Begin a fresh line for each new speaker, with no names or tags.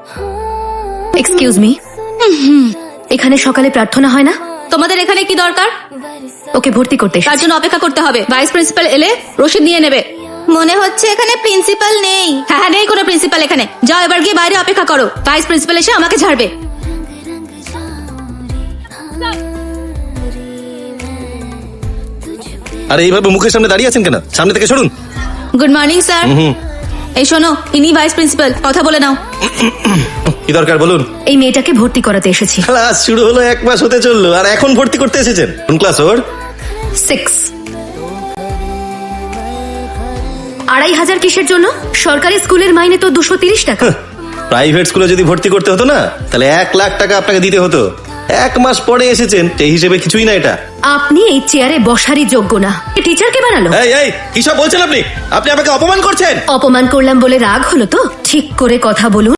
Excuse me, এখানে সকালে প্রার্থনা হয় না?
তোমাদের এখানে কি দরকার?
ওকে ভর্তি করতে
তার জন্য অপেক্ষা করতে হবে। ভাইস প্রিন্সিপাল এলে রসিদ নিয়ে নেবে। মনে হচ্ছে এখানে প্রিন্সিপাল নেই। হ্যাঁ, নেই কোনো প্রিন্সিপাল এখানে। যাও এবার গিয়ে বাইরে অপেক্ষা করো, ভাইস প্রিন্সিপাল এসে আমাকে ঝাড়বে।
আরে এইভাবে মুখের সামনে দাঁড়িয়ে আছেন কেন? সামনে থেকে সরুন।
Good morning sir. এই শোনো, ইনি ভাইস প্রিন্সিপাল, কথা বলে নাও।
কি দরকার বলুন?
এই মেয়েটাকে ভর্তি করাতে এসেছি।
ক্লাস শুরু হলো 1 মাস হতে চললো আর এখন ভর্তি করতে এসেছেন? কোন ক্লাস ওর?
6। 2500 কিসের জন্য? সরকারি স্কুলের মাইনে তো 230 টাকা।
প্রাইভেট স্কুলে যদি ভর্তি করতে হতো না, তাহলে 1 লাখ টাকা আপনাকে দিতে হতো। 1 মাস পরে এসেছেন, সেই হিসেবে কিছুই না এটা।
আপনি এই চেয়ারে বসারই যোগ্য না। টিচারকে বানালো।
এই কি সব বলছেন আপনি? আপনি আমাকে অপমান করছেন।
অপমান করলাম বলে রাগ হলো তো? ঠিক করে কথা বলুন।